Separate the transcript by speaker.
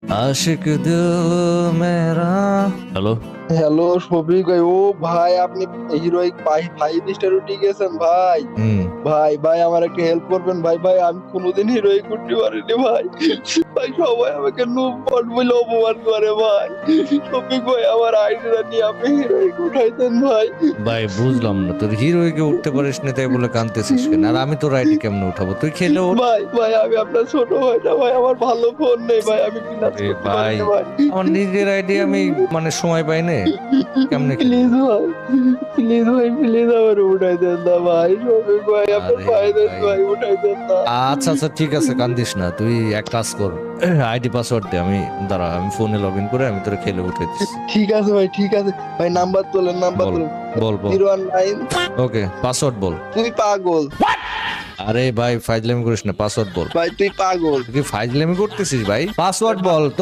Speaker 1: आशिक दिल मेरा। Hello.
Speaker 2: Hello Shafiq ভাই, ও ভাই আপনি হিরোইক 5 স্টার উঠে গেছেন ভাই। ভাই ভাই আমার একটা হেল্প করবেন ভাই। ভাই আমি কোনোদিন হিরোইক উঠতে পারিনি ভাই। ভাই সবাই আমাকে নুবট বলে অপমান করে ভাই। শফিক ভাই আমার আইডিয়া নিয়ে আপনি হিরোইক উঠাইতেন ভাই।
Speaker 1: ভাই বুঝলাম না, তোর হিরোইকে উঠতে পারিস না তাই বলে কাঁদতেছিস কেন? আর আমি তোর আইডি কেমনে উঠাবো? তুই খেলে ওঠ।
Speaker 2: ভাই ভাই আমি আপনার ছোট ভাইটা ভাই, আমার ভালো ফোন নেই ভাই, আমি বিলাস
Speaker 1: আরে
Speaker 2: করতে
Speaker 1: ভাই,
Speaker 2: পারি না ভাই।
Speaker 1: আমার নিজের আইডি আমি সময় পাই না, কেমনে খেলবো?
Speaker 2: প্লিজ ভাই, প্লিজ ভাই, প্লিজ আমার উঠাই দেন না ভাই। শফিক ভাই আপনার
Speaker 1: আরে
Speaker 2: পায়ে দেন
Speaker 1: ভাই।
Speaker 2: ভাই, উঠাই দেন না।
Speaker 1: আচ্ছা আচ্ছা ঠিক আছে, কান্দিস না। তুই এক কাজ কর, আইডি পাসওয়ার্ড দে। আমি দাঁড়া, আমি ফোনে লগ ইন করে আমি তোর খেলে উঠে দিচ্ছি।
Speaker 2: ঠিক আছে ভাই, ঠিক আছে ভাই, নাম্বার তোলেন, নাম্বার
Speaker 1: বল
Speaker 2: তোলেন।
Speaker 1: বল বল।
Speaker 2: 019।
Speaker 1: ওকে, পাসওয়ার্ড বল।
Speaker 2: তুই পাগল
Speaker 1: আরে ভাই ফাইজলামি করিস না, পাসওয়ার্ড বল।
Speaker 2: ভাই, তুই পাগল।
Speaker 1: তুই কি ফাইজলামি করতেছিস ভাই? পাসওয়ার্ড বল।